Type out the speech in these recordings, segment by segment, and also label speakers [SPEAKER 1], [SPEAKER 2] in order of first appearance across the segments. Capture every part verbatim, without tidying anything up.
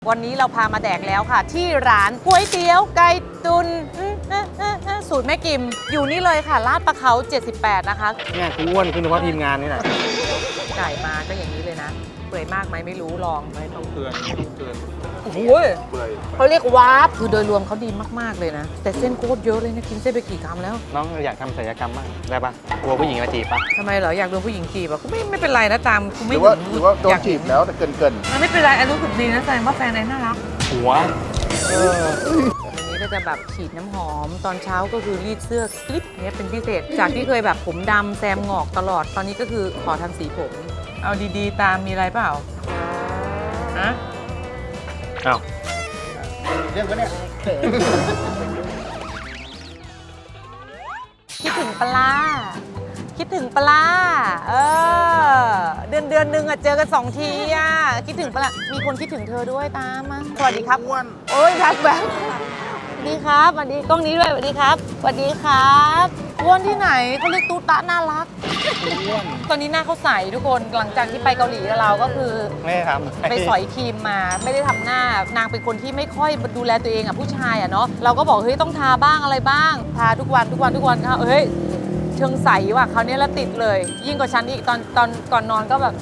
[SPEAKER 1] วันนี้เราพามาแดกแล้วค่ะที่ร้านก๋วยเตี๋ยวไก่ตุนสูตรแม่กิมอยู่นี่เลยค่ะลาดประเขาเจ็ดสิบแปดนะคะ
[SPEAKER 2] เนี่ยกูอ้วนขึ้นเพราะทีมงานนี่แหละ
[SPEAKER 1] ไก่มาก็อย่างนี้เลยนะเปื่อยมากไหมไม่รู้ลอง
[SPEAKER 2] ไม่ต้องเตือนไม่ต้องเตือน
[SPEAKER 1] โอ้โหเขาเรียกวาร์ปคือโดยรวมเขาดีมากๆเลยนะแต่เส้นโคตรเยอะเลยนะกินเส้นไปกี่คำแล้ว
[SPEAKER 2] น้องอยากทำศัลยกรรมบ้างได้ปะกลัวผู้หญิงมาจีบปะ
[SPEAKER 1] ทำไมเหรออยากโดนผู้หญิงจีบอ่ะกูไม่ไม่เป็นไรนะตามกูไม่
[SPEAKER 3] หรือว่าหรือว่าโดนจีบแล้วแต่เกินเกิน
[SPEAKER 1] มันไม่เป็นไรไอ้รู้สึกดีนะแสดงว่าแฟนไอ้น่ารัก
[SPEAKER 2] หัว
[SPEAKER 1] เออวันนี้ก็จะแบบฉีดน้ำหอมตอนเช้าก็คือรีดเสื้อคลิปนี้เป็นพิเศษจากที่เคยแบบผมดำแซมงอกตลอดตอนนี้ก็คือขอทำสีผมเอาดีๆตามมีอะไรเปล่าฮะ
[SPEAKER 2] อ้าว
[SPEAKER 3] เรื่องก็เนี่ย
[SPEAKER 1] คิดถึงปลาคิดถึงปลาเออเดือนเดือนหนึ่งอะเจอกันสองทีอะคิดถึงปลามีคนคิดถึงเธอด้วยตามมาสวัสดีครับอ้วนโอ้ยรักแบบสวัสดีครับสวัสดีกล้องนี้ด้วยสวัสดีครับสวัสดีครับอ้วนที่ไหนเขาเรียกตูตะน่ารักตอนนี้หน้าเขาใสทุกคนหลังจากที่ไปเกาหลีกับเราก็คือ
[SPEAKER 2] ไม่ทำ
[SPEAKER 1] ไปสอยครีมมาไม่ได้ทำหน้านางเป็นคนที่ไม่ค่อยดูแลตัวเองอะผู้ชายอะเนาะเราก็บอกเฮ้ยต้องทาบ้างอะไรบ้างทาทุกวันทุกวันทุกวันค่ะเฮ้ยเชิงใสว่ะคราวนี้แล้วติดเลยยิ่งกว่าฉันอีกตอนตอนก่อนนอนก็แบบ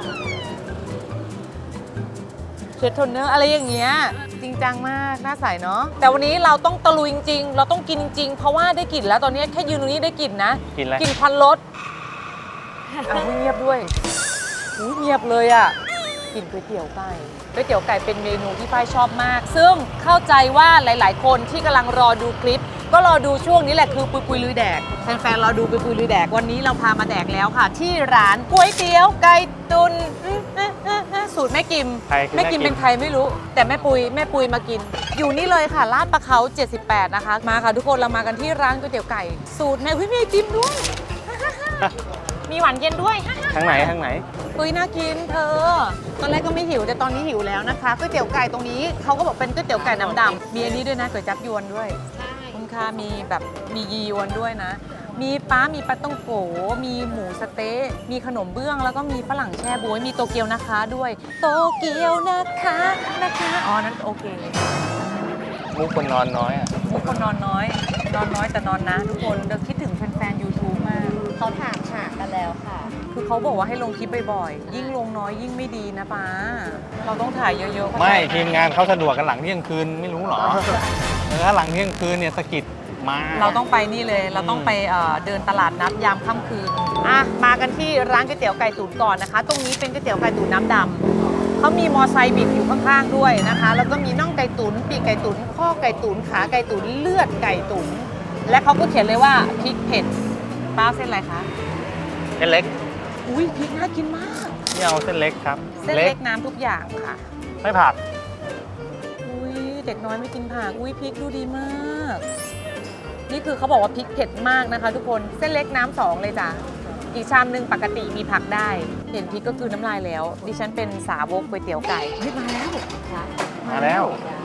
[SPEAKER 1] เช็ดโทนเนอร์อะไรอย่างเงี้ยจริงจังมากหน้าใสเนาะแต่วันนี้เราต้องตะลุยจริงๆเราต้องกินจริงเพราะว่าได้กลิ่นแล้วตอนนี้แค่ยืนตรงนี้ได้กลิ่นนะ
[SPEAKER 2] กินอะไร
[SPEAKER 1] กลิ่นควันรถอ่ะเงียบด้วยเงียบเลยอ่ะกลิ่นก๋วยเตี๋ยวไก่ก๋วยเตี๋ยวไก่เป็นเมนูที่ฝ้ายชอบมากซึ่งเข้าใจว่าหลายๆคนที่กำลังรอดูคลิปก็รอดูช่วงนี้แหละคือปุยปุยลุยแดกแฟนๆรอดูปุยปุยลุยแดกวันนี้เราพามาแดกแล้วค่ะที่ร้านก๋วยเตี๋ยวไก่ตุนสูตรแม่กิมแม่กิมเป็นใครไม่รู้แต่แม่ปุยแม่ปุยมากินอยู่นี่เลยค่ะลาดประเขาเจ็ดสิบแปดนะคะมาค่ะทุกคนเรามากันที่ร้านก๋วยเตี๋ยวไก่สูตรแม่แม่กิมด้วยมีหวานเย็นด้วย
[SPEAKER 2] ทางไหนทางไหน
[SPEAKER 1] ปุยน่ากินเธอตอนแรกก็ไม่หิวแต่ตอนนี้หิวแล้วนะคะก๋วยเตี๋ยวไก่ตรงนี้เขาก็บอกเป็นก๋วยเตี๋ยวไก่น้ำดำมีอันนี้ด้วยนะก๋วยจั๊บยวนด้วยคุณค่ามีแบบมียียวนด้วยนะมีป้ามีปลาต้องโกมีหมูสะเต๊ะมีขนมเบื้องแล้วก็มีฝรั่งแช่บ๊วยมีโตเกียวนะคะด้วยโตเกียวนะคะนะคะอ๋อนั้นโอเค
[SPEAKER 2] มุกคนนอนน้อยอ่ะ
[SPEAKER 1] มุกคนนอนน้อยนอนน้อยแต่นอนนะทุกคนเดี๋ยวคิดถึงแฟนๆ ยูทูบ มาก
[SPEAKER 4] เขาถามหากันแล้วค่ะ
[SPEAKER 1] คือเขาบอกว่าให้ลงคลิปบ่อยๆยิ่งลงน้อยยิ่งไม่ดีนะป้าเราต้องถ่ายเยอะๆ
[SPEAKER 2] ไม่ทีมงานเขาสะดวกกันหลังเที่ยงคืนไม่รู้หรอเออหลังเที่ยงคืนเนี่ยสกิดมา
[SPEAKER 1] เราต้องไปนี่เลยเราต้องไปเดินตลาดนัดยามค่ำคืนอ่ะมากันที่ร้านก๋วยเตี๋ยวไก่ตุ๋นก่อนนะคะตรงนี้เป็นก๋วยเตี๋ยวไก่ตุ๋นน้ำดำเขามีมอไซค์บิดอยู่ข้างๆด้วยนะคะแล้วก็มีน่องไก่ตุ๋นปีกไก่ตุ๋นข้อไก่ตุ๋นขาไก่ตุ๋นเลือดไก่ตุ๋นและเขาก็เขียนเลยว่าพริกเผ็ดป้าเส้นอะไรคะ
[SPEAKER 2] เส้นเล็ก
[SPEAKER 1] อุ้ยพริกน่ากินมาก
[SPEAKER 2] นี่เอาเส้นเล็กครับ
[SPEAKER 1] เส้นเล็กน้ำทุกอย่างค่ะ
[SPEAKER 2] ไม่ผัก
[SPEAKER 1] อุ้ยเด็กน้อยไม่กินผักอุ้ยพริกดูดีมากนี่คือเขาบอกว่าพริกเผ็ดมากนะคะทุกคนเส้นเล็กน้ำสองเลยจ้ะอีกชามนึงปกติมีผักได้เห็นพริกก็คือน้ำลายแล้วดิฉันเป็นสาวกก๋วยเตี๋ยวไก่เฮ้ยมาแล้ว
[SPEAKER 2] มาแล้ว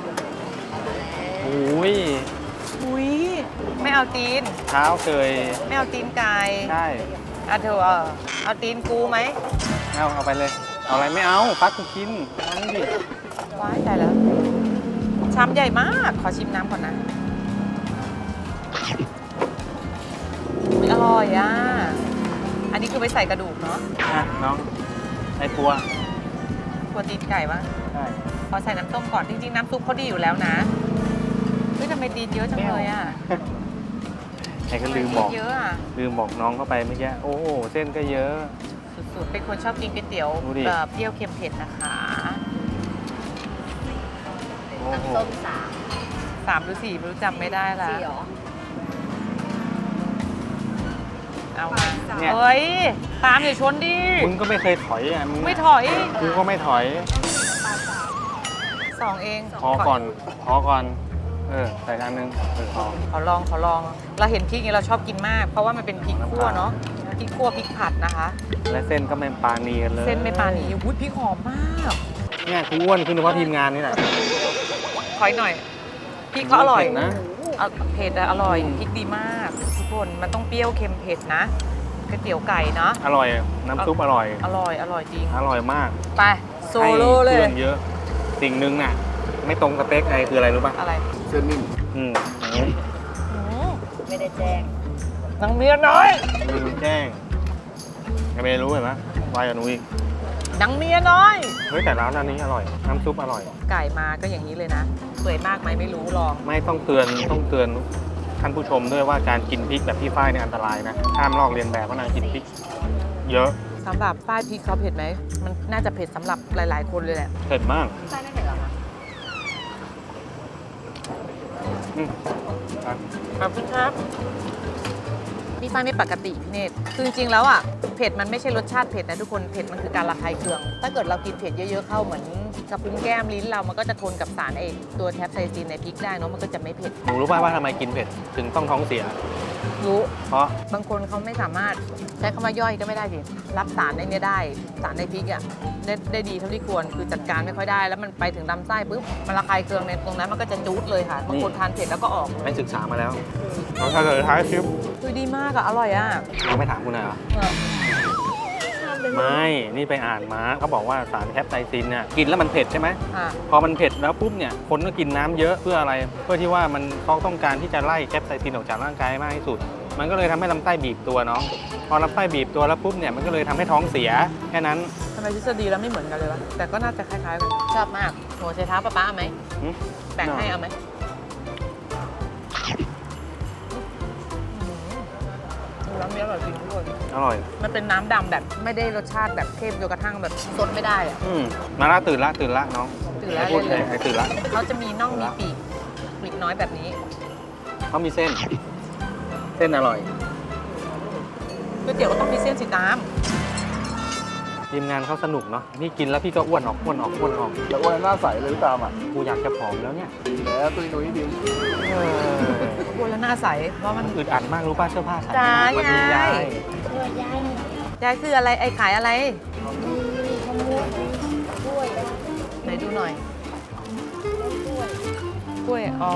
[SPEAKER 2] อุ้ย
[SPEAKER 1] อุ้ยไม่เอาตีน
[SPEAKER 2] เท้าเคย
[SPEAKER 1] ไม่เอาตีนไก่
[SPEAKER 2] ใช่
[SPEAKER 1] อ่ะเธอเอาเอาตีนกูไหม
[SPEAKER 2] เอาเอาไปเลยเอาอะไรไม่เอาปักกูกินเอาดิ
[SPEAKER 1] ว้ายตายแล้วชามใหญ่มากขอชิมน้ำก่อนนะอร่อยอ่ะอันนี้คือไปใส่กระดูกเนาะ
[SPEAKER 2] อ่ะน้องไอ้ตัว
[SPEAKER 1] ตัวตีนไก่ปะ
[SPEAKER 2] ใช่
[SPEAKER 1] พอใส่น้ำต้มก่อนจริงๆน้ำซุปเขาดีอยู่แล้วนะเฮ้ยทำไมตีนเยอะจังเลยอ่ะ
[SPEAKER 2] ไอ้ก็ลืมบอก
[SPEAKER 1] เยอะอ่ะ
[SPEAKER 2] ลืมบอกน้องเข้าไปเมื่อกี้โอ้โหเส้นก็เยอะ
[SPEAKER 1] สุดๆเป็นคนชอบกินก๋วยเตี๋ยวแบบเปรี้ยวเค็มเผ็ดนะคะ
[SPEAKER 4] น้ำส้มสาม
[SPEAKER 1] สามหรือสี่ไม่รู้จำไม่ได้ละ
[SPEAKER 4] สี่หรอ
[SPEAKER 1] เอามาเฮ้ยตามอย่าชนดิ
[SPEAKER 2] มึงก็ไม่เคยถอยอ่ะมึง
[SPEAKER 1] ไม่ถอย
[SPEAKER 2] กูก็ไม่ถอย
[SPEAKER 1] สองเอง
[SPEAKER 2] พอก่อนพอก่อนเออใส่จานนึงเออพอ
[SPEAKER 1] ขอลองขอลองเราเห็นพริกนี้เราชอบกินมากเพราะว่ามันเป็นพริกคั่วเนาะพริกคั่วพริกผัดนะคะ
[SPEAKER 2] และเส้นก็ไม่ปานีกันเลย
[SPEAKER 1] เส้นไม่ปานีอุ้ยพริกหอมมาก
[SPEAKER 2] เนี่ยกูอ้วนขึ้นเพราะทีมงานนี่แหละ
[SPEAKER 1] ขอหน่อยพริกเขาอร่อยนะเผ็ดอร่อยพริกดีมากทุกคนมันต้องเปรี้ยวเค็มเผ็ดนะก๋วยเตี๋ยวไก่เนาะ
[SPEAKER 2] อร่อยน้ำซุปอร่อย
[SPEAKER 1] อร่อยอร่อยจริง
[SPEAKER 2] อร่อยมาก
[SPEAKER 1] ไปโซโล่เลย
[SPEAKER 2] เยอะสิ่งหนึ่งน่ะไม่ตรงสเปคไอคืออะไรรู้ป่ะ
[SPEAKER 1] อะไร
[SPEAKER 3] เส้นนิ่ม
[SPEAKER 2] อืม
[SPEAKER 1] อืม
[SPEAKER 4] ไม่ได้แจ้ง
[SPEAKER 1] นางเมียน้อย
[SPEAKER 2] ลืมแจ้งยังไม่รู้เห็นไหมวายกับหนูอีก
[SPEAKER 1] นางเมียน้อย
[SPEAKER 2] เฮ้ยแต่ร้านอันนี้อร่อยน้ำซุปอร่อย
[SPEAKER 1] ไก่มาก็อย่างนี้เลยนะเปื่อยมากไหมไม่รู้ลอง
[SPEAKER 2] ไม่ต้องเตือนต้องเตือนท่านผู้ชมด้วยว่าการกินพริกแบบพี่ฝ้ายเนี่ยอันตรายนะห้ามลอกเลียนแบบว่านางกินพริก เยอะ
[SPEAKER 1] สำหรับป้ายพริกเขาเผ็ดไหม มันน่าจะเผ็ดสำหรับหลาย ๆ คนเลยแหละ
[SPEAKER 2] เผ็ดมาก
[SPEAKER 4] ใช่ไม่เห็นหรอคะ
[SPEAKER 2] อืมอ่ะ
[SPEAKER 1] ขอบคุณครับ พี่ฝ้ายไม่ปกติพี่เนตรคือจริง ๆ แล้วอ่ะ เผ็ดมันไม่ใช่รสชาติเผ็ดนะทุกคน เผ็ดมันคือการระคายเคือง ถ้าเกิดเรากินเผ็ดเยอะ ๆ เข้าเหมือนกระพุ้งแก้มลิ้นเรา มันก็จะทนกับสารไอตัวแทปไซซินในพริกได้เนาะ มันก็จะไม่เผ็ด
[SPEAKER 2] หนูรู้ป่ะว่าทำไมกินเผ็ดถึงต้องท้องเสีย
[SPEAKER 1] รู้
[SPEAKER 2] เพราะ
[SPEAKER 1] บางคนเขาไม่สามารถใช้คำว่าย่อยก็ไม่ได้สิรับสารในเนี้ยได้ สารในพริกอ่ะได้ได้ดีเท่าที่ควร คือจัดการไม่ค่อยได้ แล้วมันไปถึงลำไส้ปุ๊บ มันระคายเคืองในตรงนั้นมันก็จะจูดเลยค่ะ บางคนทานเผ็ดแล้วก็ออกเล
[SPEAKER 2] ไม่
[SPEAKER 1] ย
[SPEAKER 2] ศึกษามาแล้วเราถ้าเกิดท้ายคลิป
[SPEAKER 1] คือดีมากอะอร่อยอะ
[SPEAKER 2] เราไม่ถามคุณหน่อยเหรอ
[SPEAKER 1] เออ
[SPEAKER 2] ไม่ นี่ไปอ่านมาเขาบอกว่าสารแคปไซซินเนี่ยกินแล้วมันเผ็ดใช่ไหม
[SPEAKER 1] อ่ะ
[SPEAKER 2] พอมันเผ็ดแล้วปุ๊บเนี่ยคนก็กินน้ำเยอะเพื่ออะไร เพื่อที่ว่ามันเขาต้องการที่จะไล่แคปไซซินออกจากร่างกายให้มากที่สุด มันก็เลยทำให้ลำไส้บีบตัวเนาะพอลำไส้บีบตัวแล้วปุ๊บเนี่ยมันก็เลยทำให้ท้องเสียแค่นั้น
[SPEAKER 1] ทำไมทฤษฎีแล้วไม่เหมือนกันเลยวะแต่ก็น่าจะคล้ายๆกันชอบมากโหใช้เท้าป้าป้าเอาไหม
[SPEAKER 2] หืม
[SPEAKER 1] แบ่งให้เอาไหมน้ำนี้อร่อยจริงทุกคน
[SPEAKER 2] อร่อย
[SPEAKER 1] มันเป็นน้ำดำแบบไม่ได้รสชาติแบบเข้มจนกระทั่งแบบสดไม่ได้อะ
[SPEAKER 2] อืมมาละตื่นละตื่นละน้อง
[SPEAKER 1] ตื่นแล้ว
[SPEAKER 2] ไอ้พูด
[SPEAKER 1] เลย
[SPEAKER 2] ไอ้ตื่นละ
[SPEAKER 1] เขาจะมีน่องมีปีกปีกน้อยแบบนี้
[SPEAKER 2] เขามีเส้น เส้นอร่อย
[SPEAKER 1] ก๋วยเตี๋ยวก็ต้องมีเส้นสีน้
[SPEAKER 2] ทีมงานเขาสนุกเนาะพี่กินแล้วพี่ก็อ้วนออกอ้วนออกอ้วนออก
[SPEAKER 3] แต่ว่าหน้าใสเลยพี่ตามอ่ะ
[SPEAKER 2] กูอยากจะผอมแล้วเนี่ย
[SPEAKER 3] ดีแล้วตุ้ยนุ้ยดี
[SPEAKER 2] เออ
[SPEAKER 1] ำกลัวแล้วหน้าใสเพราะมัน
[SPEAKER 2] อึดอัดมากรู้ป่ะเสื้อผ้าใส่
[SPEAKER 1] จ้า
[SPEAKER 2] วันนี้
[SPEAKER 1] ยาย
[SPEAKER 2] ยาย
[SPEAKER 4] ช่วยยาย
[SPEAKER 1] ยายคืออะไรไอ้ขายอะไร
[SPEAKER 4] มีขโมยกล้วยได้
[SPEAKER 1] ไหนดูหน่อย
[SPEAKER 4] กล้วย
[SPEAKER 1] กล้วย อ๋อ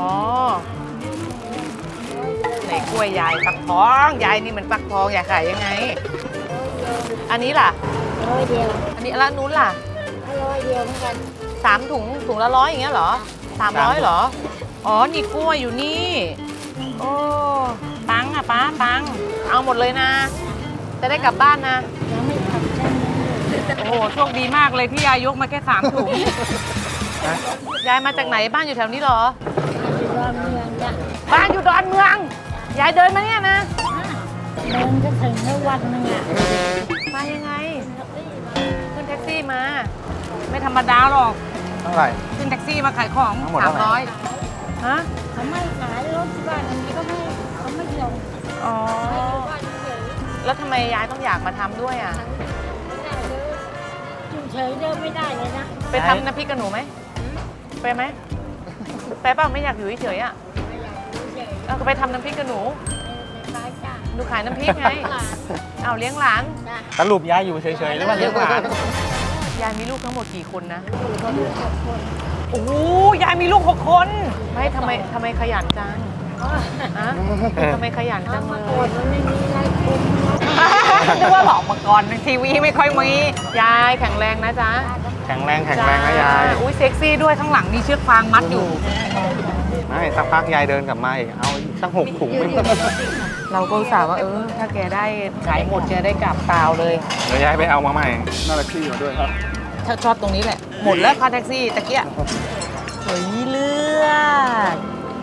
[SPEAKER 1] ไหนกล้วยยายฟักทองยายนี่มันฟักทองยายขายยังไง อันนี้ล่ะ
[SPEAKER 4] ร้อยเดียว
[SPEAKER 1] อันนี้ร้านนู้นล่ะ
[SPEAKER 4] ร้อยเดียวเหมือนกัน
[SPEAKER 1] สามถุงถุงละร้อยอย่างเงี้ยเหรอสามร้อยเหรอ อ๋อ นี่กล้วยอยู่นี่ โอ้ปังอ่ะป้าปัง เอาหมดเลยนะ จะได้กลับบ้านนะ
[SPEAKER 4] ยังไม่ทำใช่ไหม
[SPEAKER 1] โอ้โห โชคดีมากเลยที่ยายยกมาแค่สามถุง ยายมาจากไหนบ้านอยู่แถวนี้เหรอ
[SPEAKER 4] อยู่รอบเมืองจ้ะ
[SPEAKER 1] บ้านอยู่ดอนเมือง ยายเดินมาเนี่ยนะ
[SPEAKER 4] เดินจะถึงในวันหนึงอ่ะ
[SPEAKER 1] มายังไง ขึ้นแท็กซี่มา ไม่ธรรมดาหรอก
[SPEAKER 2] เท่าไหร่
[SPEAKER 1] ขึ้นแท็กซี่มาขายของ
[SPEAKER 2] ทั้งหมด
[SPEAKER 1] สา
[SPEAKER 2] เท่าม ไหร่
[SPEAKER 1] ร้อยฮะ
[SPEAKER 4] เขาไม่ขายรถที่บ้านอันนี้ก็ไม่เขาไม่ยอม
[SPEAKER 1] อ๋อ
[SPEAKER 4] ให้อยู่บ้านเฉย
[SPEAKER 1] แล้วทำไมยายต้องอยากมาทำด้วยอ่ะ
[SPEAKER 4] ไม่ได้เลยอยู่เฉยเดินไม่ได้เลยนะ
[SPEAKER 1] ไปทำน้ำพริกกับหนูไหม ไปไหม ไปเปล่าไม่อยากอยู่เฉยๆอ่ะ
[SPEAKER 4] ไม่อยากอยู่เฉย
[SPEAKER 1] เอาก็ไปทำน้ำพริกกับหนู
[SPEAKER 4] ในร้านจ้ะ
[SPEAKER 1] หนูขายน้ำพริกไง
[SPEAKER 4] หลาน
[SPEAKER 1] เอาเลี้ยงหลาน
[SPEAKER 4] จ้ะ
[SPEAKER 2] สรุปยายอยู่เฉยๆหรือว่าเลี้ยงหลาน
[SPEAKER 1] ยายมีลูกทั้งหมดกี่คนนะ
[SPEAKER 4] อยู่กับลูกหกคน
[SPEAKER 1] โอ้โหยายมีลูกหกคน ไม่ทำไมทำไมขยันจัง
[SPEAKER 4] อ๋อ
[SPEAKER 1] อะทำไมขยันจั
[SPEAKER 4] เอา
[SPEAKER 1] งเล
[SPEAKER 4] มาย ก่อนมันไม่มีอะไรคุม
[SPEAKER 1] นึกว่าบอกมาก่อนทีวีไม่ค่อยมี ยายแข็งแรงนะจ๊ะ
[SPEAKER 2] แข็งแรงแข็งแรงนะยาย
[SPEAKER 1] จ้อุ้ยเซ็กซี่ด้วยข้างหลังมีเชือกฟางมัดอยู่
[SPEAKER 2] ไม่สักพักยายเดินกลับมาอีกเอาอีกสักหกถุงไม่
[SPEAKER 1] เราก็อุตส่าห์ว่าเออ ถ้าแกได้ขายหมดแกได้กลับเปล่าเลย
[SPEAKER 2] เดี๋ยวยายไปเอามาใหม่
[SPEAKER 3] น่ารักที่มาด้วยครับ
[SPEAKER 1] ถ้าชอบตรงนี้แหละ หมดแล้วค่าแท็กซี่ตะเกียเฮ้ยเลือด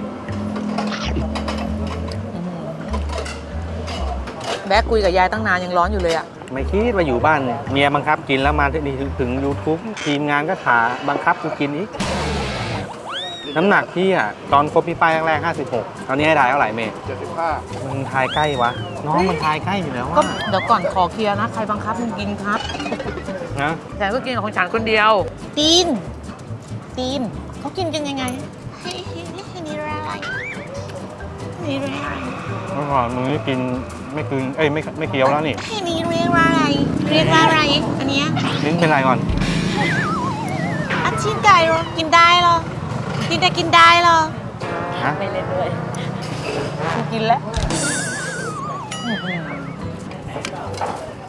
[SPEAKER 1] แบกคุยกับยายตั้งนานยังร้อนอยู่เลยอะ
[SPEAKER 2] ไม่คิดว่าอยู่บ้านเมียบังคับกินแล้วมาที่นี่ถึง YouTube ทีมงานก็ขาบังคับกูกินอีก น้ำหนักพี่อ่ะ ตอนคบพี่ป้ายแรกๆห้าสิบหกตอนนี้ให้ทายเท่าไหร่เมย์
[SPEAKER 3] เจ็ดสิบห้า
[SPEAKER 2] มันทายใกล้วะ น้องมันทายใกล้อยู่แล้ว
[SPEAKER 1] ก็
[SPEAKER 2] อะ
[SPEAKER 1] เดี๋ยวก่อนขอเคลียร์นะ ใครบังคับมึงกินครับ
[SPEAKER 2] นะ
[SPEAKER 1] ฉันก็กินของฉันคนเดียว ตีน ตีน เขากินกันยังไงให้ให้นี่อะไรนี่อะไร
[SPEAKER 2] เมื่อก่อนมึงนี่กินไม่กินเอ้ยไม่ไม่เคี้ยวแล้วนี่
[SPEAKER 1] ให้นี่เรียกว่าอะไร เรียกว่าอะไร อันเนี้ย
[SPEAKER 2] ลิ้นเป็นไรก่อน
[SPEAKER 1] อันชิ้นไก่เหรอกินได้เหรอ กินได้กินได้เหรอ
[SPEAKER 2] ฮะ
[SPEAKER 1] ไม่เล่นด้วยกูกินแล้ว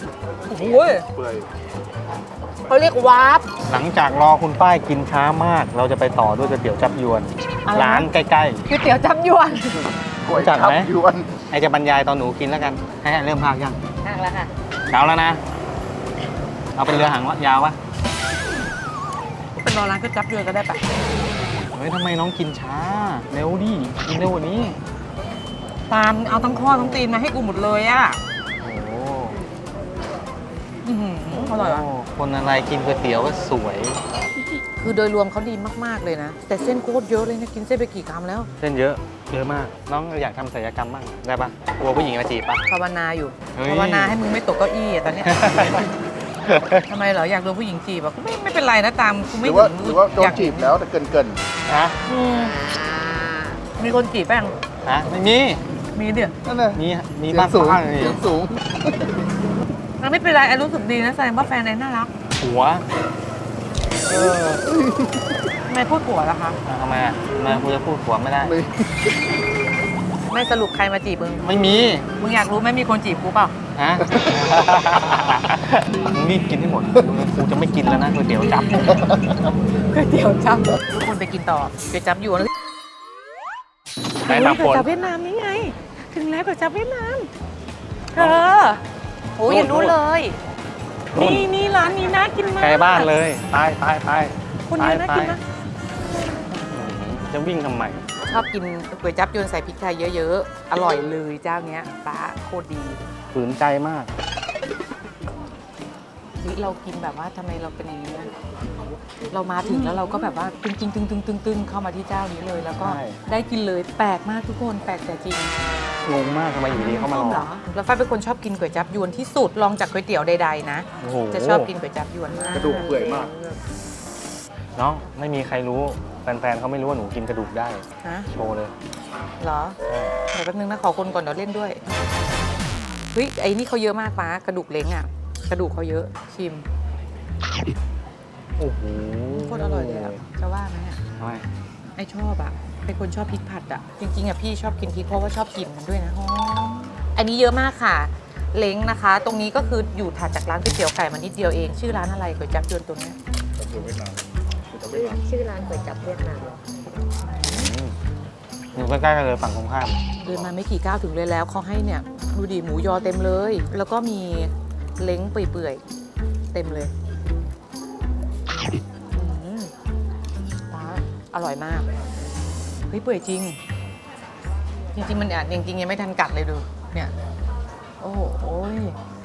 [SPEAKER 1] โอ้โห
[SPEAKER 3] เปื่อย
[SPEAKER 1] เขาเรียกวาร์ป
[SPEAKER 2] หลังจากรอคุณป้ายกินช้ามาก เราจะไปต่อด้วยก๋วยเตี๋ยวจับยวน
[SPEAKER 1] อะไรนะ
[SPEAKER 2] ร้านใกล้
[SPEAKER 1] ก๋วยเตี๋ยวจับยวน
[SPEAKER 3] ก๋วย
[SPEAKER 2] จัด
[SPEAKER 3] จับ
[SPEAKER 2] ไหม
[SPEAKER 3] ยวน
[SPEAKER 2] ๆไอจะบรรยายตอนหนูกินแล้วกัน ให้เริ่มพากยัง
[SPEAKER 1] นั่งแล้วค่ะ
[SPEAKER 2] เช้าแล้วนะ เอาเป็นเรือหางยาววะ
[SPEAKER 1] เป็นรอร้านก๋วยจับยวนก็ได้ปะ
[SPEAKER 2] เฮ้ยทำไมน้องกินช้า เร็วดิ กินเร็วกว่านี้
[SPEAKER 1] ตามเอาทั้งข้อทั้งตีนมาให้กูหมดเลยอ่ะ
[SPEAKER 2] โอ้โห
[SPEAKER 1] อื้อหืออร่อยว่ะ
[SPEAKER 2] โคนอะไรกินก๋วยเตี๋ยวก็สวย
[SPEAKER 1] คือโดยรวมเขาดีมาก ๆ เลยนะ แต่เส้นโคตรเยอะเลยนะ กินเส้นไปกี่คำแล้ว
[SPEAKER 2] เส้นเยอะ เยอะมาก น้องอยากทำศัลยกรรมบ้าง ได้ปะกลัวผู้หญิงมาจีบปะ
[SPEAKER 1] ภาวนาอยู่
[SPEAKER 2] เฮ้ย
[SPEAKER 1] ภาวนาให้มึงไม่ตกเก้าอี้อะตอนเนี้ย ทำไมเหรอ อยากโดนผู้หญิงจีบอ่ะไม่ไม่เป็นไรนะตามกู
[SPEAKER 3] ห
[SPEAKER 1] ไม่
[SPEAKER 3] รือว่า
[SPEAKER 1] ถึง
[SPEAKER 3] หรือว่าโดน
[SPEAKER 1] อยก
[SPEAKER 3] จีบแล้วแต่เกินเกิน
[SPEAKER 2] ฮะ
[SPEAKER 1] อืมมีคนจีบแป้ง
[SPEAKER 2] ฮะ ไม่มี
[SPEAKER 1] มีเดี๋ยว
[SPEAKER 3] ๆนั่นเลย
[SPEAKER 2] มี มี
[SPEAKER 3] เสีย
[SPEAKER 2] บ้าง น
[SPEAKER 3] สูง
[SPEAKER 2] ป้าเลย
[SPEAKER 3] เสียงสูง
[SPEAKER 1] มันไม่เป็นไรไอ้รู้สึกดีนะแสดงว่าแฟนไอ้น่ารัก
[SPEAKER 2] หัว เออ
[SPEAKER 1] ทำไมพูดผัวล่ะคะ
[SPEAKER 2] อ่ะทำไมอ่ะทำไมกูจะพูดหัวไม่ได้
[SPEAKER 3] ไม่
[SPEAKER 1] ไม่สรุปใครมาจีบมึง
[SPEAKER 2] ไม่มี
[SPEAKER 1] มึงอยากรู้ไหมมีคนจีบกูเปล่า
[SPEAKER 2] ฮะ มึงรีบกินให้หมดกูจะไม่กินแล้วนะก๋วยเตี๋ยวจับ
[SPEAKER 1] ก๋วยเตี๋ยวจับทุกคนไปกินต่อก๋วยจับอยู่นะ
[SPEAKER 2] ไหนบาง
[SPEAKER 1] ก๋วย
[SPEAKER 2] คน
[SPEAKER 1] จับเวียดนามนี่ไง ถึงแล้วก๋วยจับเวียดนามเธอโอ้ย
[SPEAKER 2] นู่น
[SPEAKER 1] ยังรู้เลย
[SPEAKER 2] นู่น
[SPEAKER 1] นี่นี่ร้านนี้น่ากินมาก
[SPEAKER 2] ใกล้บ้านเลยไปไปไป
[SPEAKER 1] คนนี้น่ากินมาก
[SPEAKER 2] จะวิ่งทำไม
[SPEAKER 1] ชอบกินก๋วยจับยวนใส่พริกไทยเยอะๆ อร่อยเลยเจ้าเนี้ยป้าโคตรดี
[SPEAKER 2] ฝืนใจมาก
[SPEAKER 1] เฮ้ยเรากินแบบว่าทำไมเราเป็นอย่างนี้นะเรามาถึงแล้วเราก็แบบว่าตึงตึงตึงตึงตึงตึงเข้ามาที่เจ้านี้เลย แล้วก็
[SPEAKER 2] ใช่
[SPEAKER 1] ได้กินเลยแปลกมากทุกคนแปลกแต่จริง
[SPEAKER 2] งงมากทำไมอยู่ดีเข้ามาร
[SPEAKER 1] เหร
[SPEAKER 2] อ
[SPEAKER 1] อแล้วฝ้ายเป็นคนชอบกินก๋วยจับยวนที่สุดลองจากก๋วยเตี๋ยวใดๆนะ
[SPEAKER 2] โอ้โห
[SPEAKER 1] จะชอบกินก๋วยจับยวนมาก
[SPEAKER 3] กระดูกเปื่อยมาก
[SPEAKER 2] น้องไม่มีใครรู้แฟนๆเขาไม่รู้ว่าหนูกินกระดูกได้
[SPEAKER 1] ฮะ
[SPEAKER 2] โชว์เลย
[SPEAKER 1] เหรอ
[SPEAKER 2] ใช่
[SPEAKER 1] เดี๋ยวแป๊บนึงนะขอคนก่อนเดี๋ยวเล่นด้วยเฮ้ยไอ้นี่เขาเยอะมากป้ากระดูกเล้งอ่ะกระดูกเขาเยอะชิม
[SPEAKER 2] โอ้โห
[SPEAKER 1] โคตรอร่อยเลยอ่ะจะว่าไหมอ่ะ
[SPEAKER 2] ทำไม
[SPEAKER 1] ไอชอบอ่ะเป็นคนชอบพริกผัดอ่ะจริงๆอ่ะพี่ชอบกินพริกเพราะว่าชอบกลิ่นมันด้วยนะหอมอันนี้เยอะมากค่ะ เล้งนะคะ ตรงนี้ก็คืออยู่ถัดจากร้านก๋วยเตี๋ยวไก่มานิดเดียวเองชื่อร้านอะไรก๋วยจั๊บยวนตรงเนี้ย
[SPEAKER 4] ชื่อร้านก๋วยจับเวียดนาม
[SPEAKER 2] อืมอยู่ใกล้ๆกันเลยฝั่งตรงข้าม
[SPEAKER 1] เดินมาไม่กี่ก้าวถึงเลยแล้วเขาให้เนี่ยดูดิหมูยอเต็มเลย แล้วก็มีเล้งเปื่อยๆเต็มเลยอืมป้าอร่อยมากเฮ้ยเปื่อยจริง จริงๆมันอ่ะจริงๆยังไม่ทันกัดเลยดูเนี่ยโอ้โหโอ้ย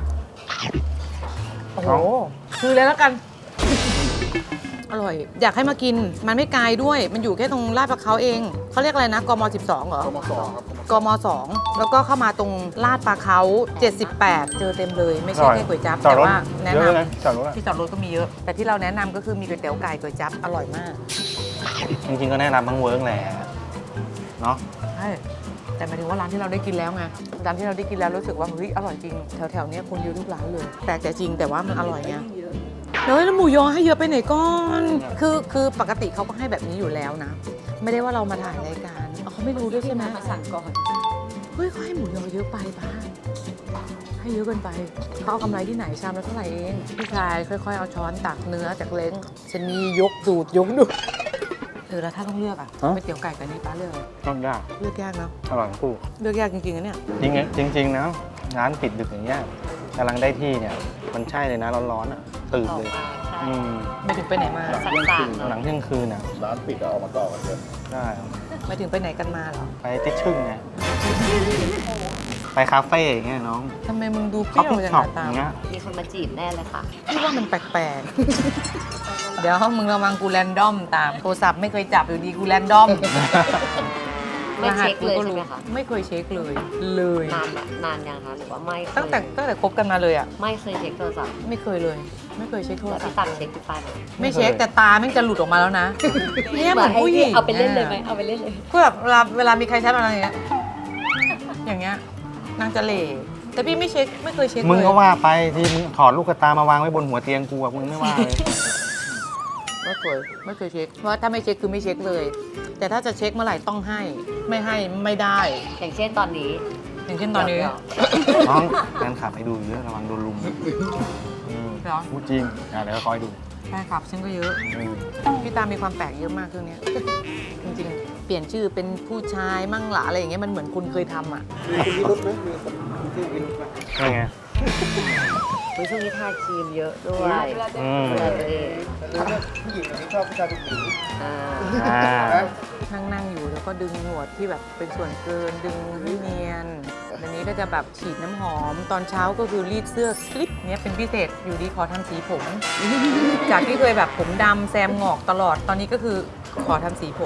[SPEAKER 1] โอ้โหคือเลยแล้วกัน อร่อย อยากให้มากินมันไม่ไกลด้วย มันอยู่แค่ตรงลาดประเขาเองเขาเรียกอะไรนะกมสิบสองเหรอ
[SPEAKER 3] กมสองครับ
[SPEAKER 1] กมสองแล้วก็เข้ามาตรงลาดปลาเขาเจ็ดสิบแปดเจอเต็มเลย ไม่ใช่แค่ก๋วยจั๊บ
[SPEAKER 2] จอด
[SPEAKER 1] แต่
[SPEAKER 2] รถ
[SPEAKER 1] ว่าแนะ
[SPEAKER 2] เย
[SPEAKER 1] น
[SPEAKER 2] อะเลยจอดรถอะ
[SPEAKER 1] ำที่จอดรถก็มีเยอะ แต่ที่เราแนะนำก็คือมีก๋วยเตี๋ยวไก่ก๋วยจั๊บอร่อยมาก
[SPEAKER 2] จริงๆก็แนะนำทั้งเวิร์กแหละเนาะ
[SPEAKER 1] ใช่แต่หมายถึงว่าร้านที่เราได้กินแล้วไงร้านที่เราได้กินแล้วรู้สึกว่าเฮ้ยอร่อยจริงแถวๆเนี้ยคนเยอะทุกร้านเลยแปลกแต่จริงแต่ว่ามันอร่อยไงเฮ้ยแล้วหมูยอให้เยอะไปไหนก่อนคือคือปกติเขาก็ให้แบบนี้อยู่แล้วนะ ไม่ได้ว่าเรามาถ่ายรายการอ๋อเขาไม่รู้ด้วยใช่ไหม
[SPEAKER 4] มาสั่งก่อน
[SPEAKER 1] เฮ้ยเขาให้หมูยอเยอะไปบ้างให้เยอะเกินไปเขาเอากำไรที่ไหนชามละเท่าไหร่เองพี่ชายค่อยๆเอาช้อนตักเนื้อจากเล้งชะนียกสูตรยกดูเออแล้วถ้าต้องเลือกอ่ะก๋วยเตี๋ยวไก่กับนี่ป้าเลือกอะไร
[SPEAKER 2] ต้องยาก
[SPEAKER 1] เลือกยากเนาะ
[SPEAKER 2] อร่อยทั้งคู่
[SPEAKER 1] เลือกยากจริงๆนะเนี่ย
[SPEAKER 2] จริงๆจริงๆนะร้านปิดดึกอย่างเงี้ยกำลังได้ที่เนี่ย มันใช่เลยนะร้อนๆอ่ะตื่นเลยอืม
[SPEAKER 1] ไม่ถึงไปไหนมา
[SPEAKER 3] หลังเที่ยงคืน
[SPEAKER 2] หลังเที่ยงคืนอ่ะ
[SPEAKER 3] ร้านปิดเอาออกมาต่อกันเถอะ
[SPEAKER 2] ได้
[SPEAKER 1] ไม่ถึงไปไหนกันมาเหรอ
[SPEAKER 2] ไปติดชึ่งไงไปคาเฟ่อย่างเงี้ยน้อง
[SPEAKER 1] ทำไมมึงดูเป
[SPEAKER 2] คอฟ
[SPEAKER 1] รี้ยว
[SPEAKER 2] ฟี่
[SPEAKER 1] จัง
[SPEAKER 2] ช็อป
[SPEAKER 1] ตา
[SPEAKER 2] อ
[SPEAKER 1] ม
[SPEAKER 2] ย่างเงี้ย
[SPEAKER 4] มีคนมาจีบแน่เลยค่ะ
[SPEAKER 1] พี่ว่ามันแปลกๆ เดี๋ยวมึงระวังกูแรนดอมตามโทรศัพท์ไม่เคยจับอยู่ดีกูแรนดอม
[SPEAKER 4] ไม่เช็คเลยใช่ไหมคะ
[SPEAKER 1] ไม่เคยเช็คเลย เลย
[SPEAKER 4] นานอะนานยังคะหรือว่าไม่เคย
[SPEAKER 1] ตั้งแต่ตั้งแต่คบกันมาเลยอ่ะ
[SPEAKER 4] ไม่เคยเช็คโทรศัพท์
[SPEAKER 1] ไม่เคยเลย ไม่เคยเช็คโทร
[SPEAKER 4] แล้ว
[SPEAKER 1] ศัพ
[SPEAKER 4] พี่
[SPEAKER 1] ท์
[SPEAKER 4] ตังเช็คพี่ป้ายไหม
[SPEAKER 1] ไม่เช็คแต่ตาแม่งจะหลุดออกมาแล้วนะเนี่ยเหมือนผู้หญิง
[SPEAKER 4] เอาไปเล่นเลยไหมเอาไปเล่นเลย
[SPEAKER 1] คือแบบเวลาเวลามีใครแชทมาอะไรอย่างเงี้ยอย่างเงี้ยนางจะเหล่แต่พี่ไม่เช็คไม่เคยเช็คเลย
[SPEAKER 2] มึงก็ว่าไปที่มึงถอดลูกตามาวางไว้บนหัวเตียงกูอะมึงไม่ว่าเลย
[SPEAKER 1] ไม่เคยไม่เคยเช็ค เพราะว่าถ้าไม่เช็คคือไม่เช็คเลย แต่ถ้าจะเช็คเมื่อไหร่ต้องให้ ไม่ให้ไม่ได้
[SPEAKER 4] อย่างเช่นตอนนี้
[SPEAKER 1] อย่างเช่นตอนนี้
[SPEAKER 2] น้องแฟนคลับให้ดูเยอะระวังโดนลุมอืม
[SPEAKER 1] เหรอ
[SPEAKER 2] พูดจริงอ่ะเดี๋ยวคอยดู
[SPEAKER 1] แฟนคลับฉันก็เยอะ
[SPEAKER 2] อืม
[SPEAKER 1] พี่ตามีความแปลกเยอะมากเครื่องเนี้ยจริงๆ เปลี่ยนชื่อเป็นผู้ชายมั่งหละอะไรอย่างเงี้ยมันเหมือนคุณเคยทำอ่ะ
[SPEAKER 2] นี่ไง
[SPEAKER 5] เฮ้ยช่วงนี้ทาครีมเยอะด้วย
[SPEAKER 2] อืม
[SPEAKER 5] ดูแลตัวเอง
[SPEAKER 3] ผู้หญิงอันนี้ชอบผู้ชายเป็นผู้หญิง
[SPEAKER 5] อ่า
[SPEAKER 2] อ่า
[SPEAKER 1] นั่งนั่งอยู่แล้วก็ดึงหนวดที่แบบเป็นส่วนเกินดึงให้เนียนวันนี้ก็จะแบบฉีดน้ำหอม ตอนเช้าก็คือรีดเสื้อคลิปเนี้ยเป็นพิเศษอยู่ดีขอทำสีผม จากที่เคยแบบผมดำแซมงอกตลอดตอนนี้ก็คือขอทำสีผม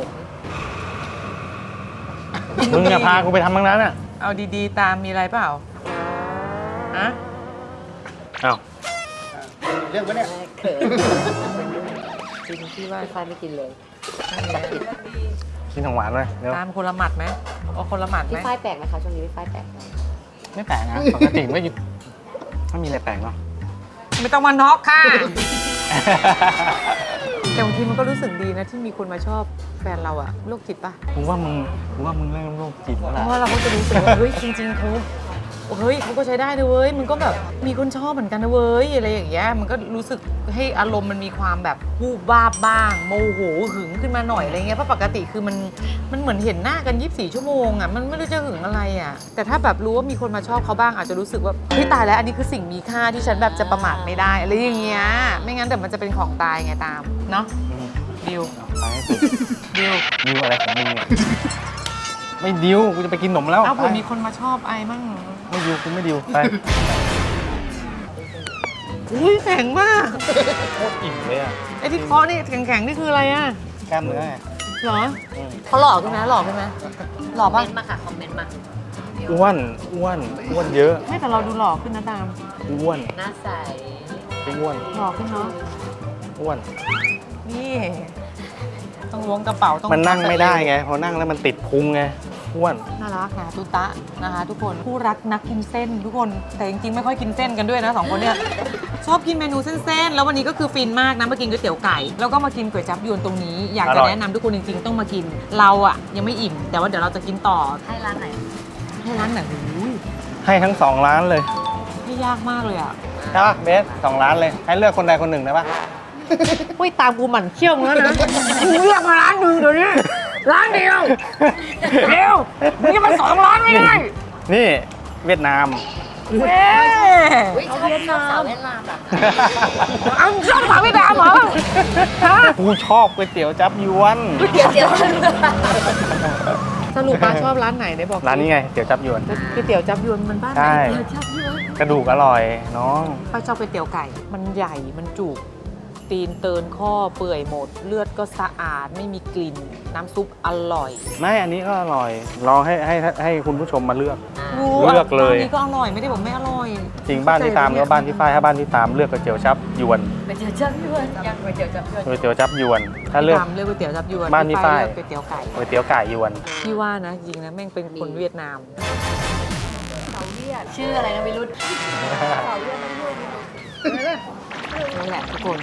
[SPEAKER 2] มึงอย่าพากูไปทำบ้างนั้นอ่ะ
[SPEAKER 1] เอาดีๆ ตามมีอะไรเปล่าอะ
[SPEAKER 2] อ้าว
[SPEAKER 3] เรื่องวะเนี่ย
[SPEAKER 5] แม่เขิน
[SPEAKER 1] จริงที่ว่า
[SPEAKER 5] ไฟไม่กินเลย
[SPEAKER 2] กินของหวานเลยเร็ว
[SPEAKER 1] ตามคนละหมัดไหมเอาคนละหมัดไห
[SPEAKER 5] พี่
[SPEAKER 1] ม
[SPEAKER 5] ฝ้ายแปลกไหมคะช่วงนี้พี่ฝ้ายแปลกไหม
[SPEAKER 2] ไม่แปลกนะปกติไม่หยุดไม่มีอะไรแปลกเนาะ
[SPEAKER 1] ไม่ต้องมาน็อกค่ะ แต่บางทีมันก็รู้สึกดีนะที่มีคนมาชอบแฟนเราอะโรคจิตปะ
[SPEAKER 2] กูว่ามึงกูว่ามึงเริ่มโรคจิตแล้ว
[SPEAKER 1] เพ
[SPEAKER 2] ล่ะ
[SPEAKER 1] ราะว่าเราก็จะรู้สึกว่าเฮ้ยจริงๆเขาเฮ้ยเขาก็ใช้ได้นะเว้ยมึงก็แบบมีคนชอบเหมือนกันนะเว้ยอะไรอย่างเงี้ยมันก็รู้สึกให้อารมณ์มันมีความแบบวูบวาบบ้าง โมโหหึงขึ้นมาหน่อยอะไรเงี้ยเพราะปกติคือมันมันเหมือนเห็นหน้ากันยี่สิบสี่ชั่วโมงอะมันไม่รู้จะหึงอะไรอะแต่ถ้าแบบรู้ว่ามีคนมาชอบเขาบ้างอาจจะรู้สึกว่าเฮ้ยตายแล้วอันนี้คือสิ่งมีค่าที่ฉันแบบจะประมาทไม่ได้อะไรอย่างเงี้ยไม่งั้นเดี๋ยวมันจะเป็นของตายไงตามเนาะ
[SPEAKER 2] อืม
[SPEAKER 1] ดิว
[SPEAKER 2] ไปให้สุด
[SPEAKER 1] ดิว
[SPEAKER 2] ดิวอะไรของมึงเนี่ยไม่ดิวกูจะไปกินขนมแล้ว
[SPEAKER 1] เอ้า
[SPEAKER 2] ไป
[SPEAKER 1] เผื่อมีคนมาชอบไอมั่ง
[SPEAKER 2] ไม่ดิวกูไม่ดิวไป
[SPEAKER 1] อุ้ยแข็งมาก
[SPEAKER 2] โคตรอิ่มเลยอ่ะ
[SPEAKER 1] ไอ้ที่เคาะนี่แข็งๆนี่คืออะไรอะ
[SPEAKER 2] กล้ามเนื้อไง
[SPEAKER 1] เหรอ
[SPEAKER 2] อืม
[SPEAKER 1] เขาหล่อขึ้นไหมหล่อขึ้นไหมหล่อ
[SPEAKER 5] คอม
[SPEAKER 1] ป่ะ
[SPEAKER 5] เมนต์มาค่ะ คอมเมนต์มา
[SPEAKER 2] อ้วนอ้วนอ้วนเยอะ
[SPEAKER 1] ไม่แต่เราดูหล่อขึ้นนะตาม
[SPEAKER 2] อ้วน
[SPEAKER 5] หน้าใส
[SPEAKER 2] อ้วน
[SPEAKER 1] หล่อขึ้นเนาะ
[SPEAKER 2] อ้วน
[SPEAKER 1] นี่ต้องล้วงกระเป๋าต้อง
[SPEAKER 2] มันนั่งไม่ได้ไงพอนั่งแล้วมันติดพุงไงอ้วน
[SPEAKER 1] น่ารักนะตุตะนะคะทุกคนผู้รักนักกินเส้นทุกคนแต่จริงๆไม่ค่อยกินเส้นกันด้วยนะสองคนเนี่ยชอบกินเมนูเส้นๆแล้ววันนี้ก็คือฟินมากนะมากินก๋วยเตี๋ยวไก่แล้วก็มากินก๋วยจั๊บยวนตรงนี้ อยากจะแนะนำทุกคนจริงๆต้องมากินเราอะยังไม่อิ่ม แต่ว่าเดี๋ยวเราจะกินต่อ
[SPEAKER 5] ให้ร้านไหน
[SPEAKER 1] ให้ร้านไหนอุ้ย
[SPEAKER 2] ให้ทั้งสองร้านเลย
[SPEAKER 1] นี่ยากมากเลยอะ
[SPEAKER 2] ใช่ปะเบสสองร้านเลย ให้เลือกคนใดคนหนึ่งได้ปะ
[SPEAKER 1] อุ้ยตามกูหมั่นเขี้ยวมึงแล้วนะมึงเลือกมาร้านหนึ่งเดี๋ยวนี้ร้านเดียวเดียวมึงจะมาสองร้านไม่ได้
[SPEAKER 2] นี่เวียดนาม
[SPEAKER 1] เว้ย
[SPEAKER 5] เฮ้ยชอบชอบสาวเวียดนามแบบ
[SPEAKER 1] เอาชอบสาวเวียดนามเหรอฮะ
[SPEAKER 2] กูชอบก๋วยเตี๋ยวจับยวน
[SPEAKER 5] เดี๋ยวเดี๋ยว
[SPEAKER 1] สรุปป้าชอบร้านไหนได้บอก
[SPEAKER 2] ร้านนี้ไงเตี๋ยวจับยวน
[SPEAKER 1] ก๋วยเตี๋ยวจับยวนมันบ้านไหน
[SPEAKER 2] ใช่
[SPEAKER 1] เตี๋ยวจับยวน
[SPEAKER 2] กระดูกอร่อยน้อง
[SPEAKER 1] ป้าชอบก๋วยเตี๋ยวไก่ มันใหญ่มันจุกตีนเตินข้อเปื่อยหมด เลือดก็สะอาดไม่มีกลิ่น น้ำซุปอร่อย
[SPEAKER 2] ไม่อันนี้ก็อร่อยลองให้ให้ให้คุณผู้ชมมาเลือก
[SPEAKER 1] รู้
[SPEAKER 2] เลือกเลย
[SPEAKER 1] ร้านนี้ก็อร่อยไม่ได้บอกไม่อร่อย
[SPEAKER 2] จริงบ้านที่ตามหรือว่าบ้านที่ฝ้ายถ้าบ้านที่ตามเลือกก๋วยเตี๋ยวจับยวน
[SPEAKER 5] ไปเจอเจ้าพี่เวิร์ดยังไปเจอเจ้าพี่เวิร์ด
[SPEAKER 2] ก๋วยเตี๋ยวจับยวน ถ้าเลือก
[SPEAKER 1] ตามเลือกก๋วยเตี๋ยวจับยวน
[SPEAKER 2] บ้านพี่ฝ้าย
[SPEAKER 1] เลือกก๋วยเตี๋ยวไก่
[SPEAKER 2] ก๋วยเตี๋ยวไก่ยวน
[SPEAKER 1] พี่ว่านะจริงนะแม่งเป็นคนเวียดนาม
[SPEAKER 5] ชื่ออะไรนะวิรุธ
[SPEAKER 1] นั่นแหละทุกคน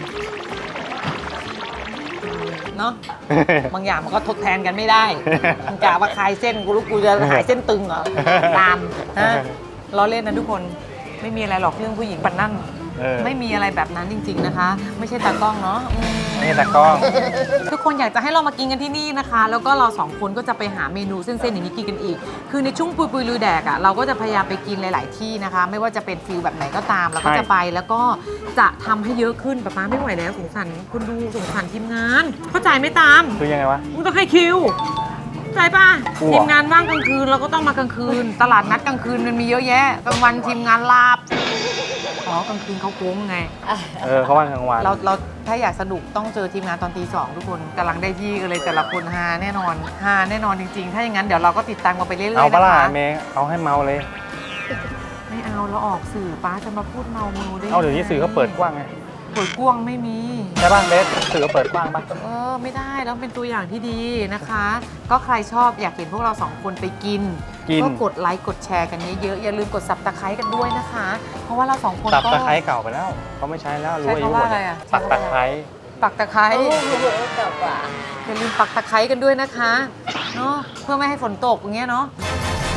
[SPEAKER 1] เนาะ บางอย่างมันก็ทดแทนกันไม่ได้มึงกะว่าคลายเส้นกูรู้กูจะหายเส้นตึงเหรอ ตามนะล้อเล่นนะทุกคนไม่มีอะไรหรอกเรื่องผู้หญิงปันนั่น
[SPEAKER 2] เออ
[SPEAKER 1] ไม่มีอะไรแบบนั้นจริง ๆนะคะ ไม่ใช่ตากล้องเนาะอืม
[SPEAKER 2] นี่แต่กล้อง
[SPEAKER 1] ทุกคนอยากจะให้เรามากินกันที่นี่นะคะ แล้วก็เราสองคนก็จะไปหาเมนูเส้นๆอย่างนี้กินกันอีก คือในช่วงปุยปุยลุยแดกอ่ะเราก็จะพยายามไปกินหลาย ๆ ที่นะคะ ไม่ว่าจะเป็นฟิลแบบไหนก็ตามเราก็
[SPEAKER 2] ใช่
[SPEAKER 1] จะไปแล้วก็จะทำให้เยอะขึ้นป๊าป๊าไม่ไหวแล้วสงสารคุณดูสงสารทีมงาน เข้าใจไหม่ตาม
[SPEAKER 2] คือยังไงวะ
[SPEAKER 1] มึงต้องให้คิวเข้าใจป่ะ
[SPEAKER 2] กลัว
[SPEAKER 1] ทีมงานว่างกลางคืนเราก็ต้องมากลางคืน ตลาดนัดกลางคืนมันมีเยอะแยะกลางวันทีมงานลาบอ๋อกลางคืนเขาโค้งไง
[SPEAKER 2] เออเขาว่างกลางวัน
[SPEAKER 1] เราเราถ้าอยากสนุกต้องเจอทีมงานตอนตีสองทุกคนกำลังได้ที่กันเลยแต่ละคนฮาแน่นอนฮาแน่นอนจริง ๆ ถ้าอย่างนั้นเดี๋ยวเราก็ติดตามกันไปเรื่อยๆ
[SPEAKER 2] เอาปะ
[SPEAKER 1] นะ
[SPEAKER 2] ล่ะ
[SPEAKER 1] คะ
[SPEAKER 2] เมย์เอาให้เมาเลย
[SPEAKER 1] ไม่เอาเราออกสื่อป้าจะมาพูดเมาเมาได้
[SPEAKER 2] เอาเดี๋ยวนี้สื่อเขาเปิดกว้างไง
[SPEAKER 1] เปิดกว้างไม่มี
[SPEAKER 2] ใช่ป่ะเบสสื่อเขาเปิดกว้างป่ะ
[SPEAKER 1] เออไม่ได้แล้วเป็นตัวอย่างที่ดีนะคะ ก็ใครชอบอยากเห็นพวกเราสองคนไปกิน
[SPEAKER 2] กิน
[SPEAKER 1] ก็กดไลค์กดแชร์กันเยอะๆอย่าลืมกดซับตะไคร้กันด้วยนะคะ เพราะว่าเราสองคน
[SPEAKER 2] ตับ
[SPEAKER 1] ก็
[SPEAKER 2] ตะไคร้เก่าไปแล้วเขาไม่ใช้แล้วรู้
[SPEAKER 1] ใช้
[SPEAKER 2] อายุ
[SPEAKER 1] คำ
[SPEAKER 2] หม
[SPEAKER 1] ว่า
[SPEAKER 2] ด
[SPEAKER 1] อะไรอะ
[SPEAKER 2] ตับตะไคร้
[SPEAKER 1] ปักตะไคร้
[SPEAKER 5] โอ้โหเก่ากว่า
[SPEAKER 1] อย่าลืมปักตะไคร้กันด้วยนะคะเนาะเพื่อไม่ให้ฝนตกอย่างเงี้ยเนาะ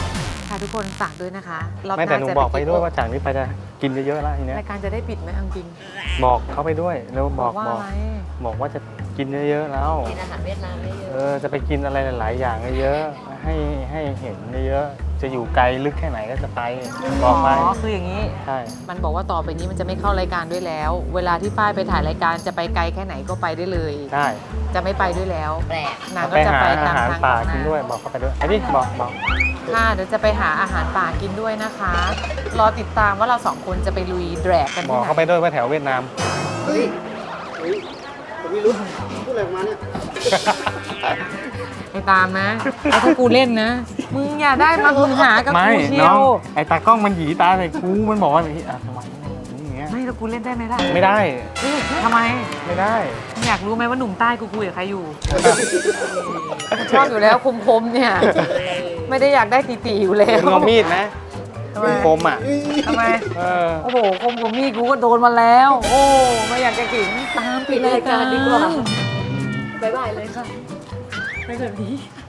[SPEAKER 1] ค่ะทุกคนฝากด้วยนะคะรอบ
[SPEAKER 2] ไม่
[SPEAKER 1] ห
[SPEAKER 2] แต่
[SPEAKER 1] น้า
[SPEAKER 2] หนู
[SPEAKER 1] จะ
[SPEAKER 2] บอกไป
[SPEAKER 1] กิน
[SPEAKER 2] ด้วยว่าจากนี้ไปจะกินเยอะๆแล้วทีเนี้ย
[SPEAKER 1] รายการจะได้ปิดไหมเอาจริง
[SPEAKER 2] บอกเขาไปด้วยแล้วบอก
[SPEAKER 1] ว่า
[SPEAKER 2] บอก
[SPEAKER 1] อะไร
[SPEAKER 2] บอกว่าจะกินเยอะๆแล้ว
[SPEAKER 5] กินอาหารเวียดนามไม่เย
[SPEAKER 2] เอ
[SPEAKER 5] อะ
[SPEAKER 2] อจะไปกินอะไรหลายๆอย่างเยอะๆให้ให้เห็นเยอะๆจะอยู่ไกลลึกแค่ไหนก็จะไปบอกไป
[SPEAKER 1] อ๋อคืออย่างนี้
[SPEAKER 2] ใช่
[SPEAKER 1] มันบอกว่าต่อไปนี้มันจะไม่เข้ารายการด้วยแล้ว เวลาที่ฝ้ายไปถ่ายรายการจะไปไกลแค่ไหนก็ไปได้เลย
[SPEAKER 2] ได้
[SPEAKER 1] จะไม่ไปด้วยแล้ว
[SPEAKER 5] แปลก
[SPEAKER 1] นางก็
[SPEAKER 2] ไป
[SPEAKER 1] จะ
[SPEAKER 2] หา
[SPEAKER 1] ไป
[SPEAKER 2] อา
[SPEAKER 1] ตาม
[SPEAKER 2] หาร
[SPEAKER 1] ทาง
[SPEAKER 2] ป่า
[SPEAKER 1] ของ
[SPEAKER 2] กิน
[SPEAKER 1] ง
[SPEAKER 2] ด้วยบอกเขาไปด้วยไอ้นี่บอกบอก
[SPEAKER 1] ค่ะเดี๋ยวจะไปหาอาหารป่ากินด้วยนะคะ รอติดตามว่าเราสองคนจะไปลุยแดรกกัน
[SPEAKER 2] บอ
[SPEAKER 1] ที่
[SPEAKER 2] ก
[SPEAKER 1] ไหน
[SPEAKER 2] เขาไปด้วยว่าแถวเวียดนาม
[SPEAKER 3] เฮ้ยเฮ้ยผมไม่รู้พูดอะไรออกมาเนี่ย
[SPEAKER 1] ไปตามนะแล้วถ้ากูเล่นนะ มึงอย่าได้มามึงหากับ
[SPEAKER 2] ไม่
[SPEAKER 1] กูเชีย
[SPEAKER 2] น้อง
[SPEAKER 1] ว
[SPEAKER 2] ไอ้ตากล้องมันหยีตาใส่กูมันบอกว่าอย่างนี้อ่ะทำไมอย่างเงี้ย
[SPEAKER 1] ไม่แล้วกูเล่นได้ไหมล่ะ
[SPEAKER 2] ไม่ได้
[SPEAKER 1] ทำไม
[SPEAKER 2] ไม่ได้
[SPEAKER 1] มึงอยากรู้ไหมว่าหนุ่มใต้กูคุยกับใครอยู่ ชอบอยู่แล้วคมๆเนี่ย ไม่ได้อยากได้ตีๆอยู่แล้ว
[SPEAKER 2] คุณเอามีดนะ
[SPEAKER 1] ทำไม
[SPEAKER 2] คมอ่ะ
[SPEAKER 1] ทำไม
[SPEAKER 2] เออ
[SPEAKER 1] โอ้โหคมกว่ามีดกูก็โดนมาแล้ว โอ้ไม่อยากจะขิงตามปิดรายการดีกว่า
[SPEAKER 5] บ๊ายบายเลยค่ะ
[SPEAKER 1] ไปแบบนี้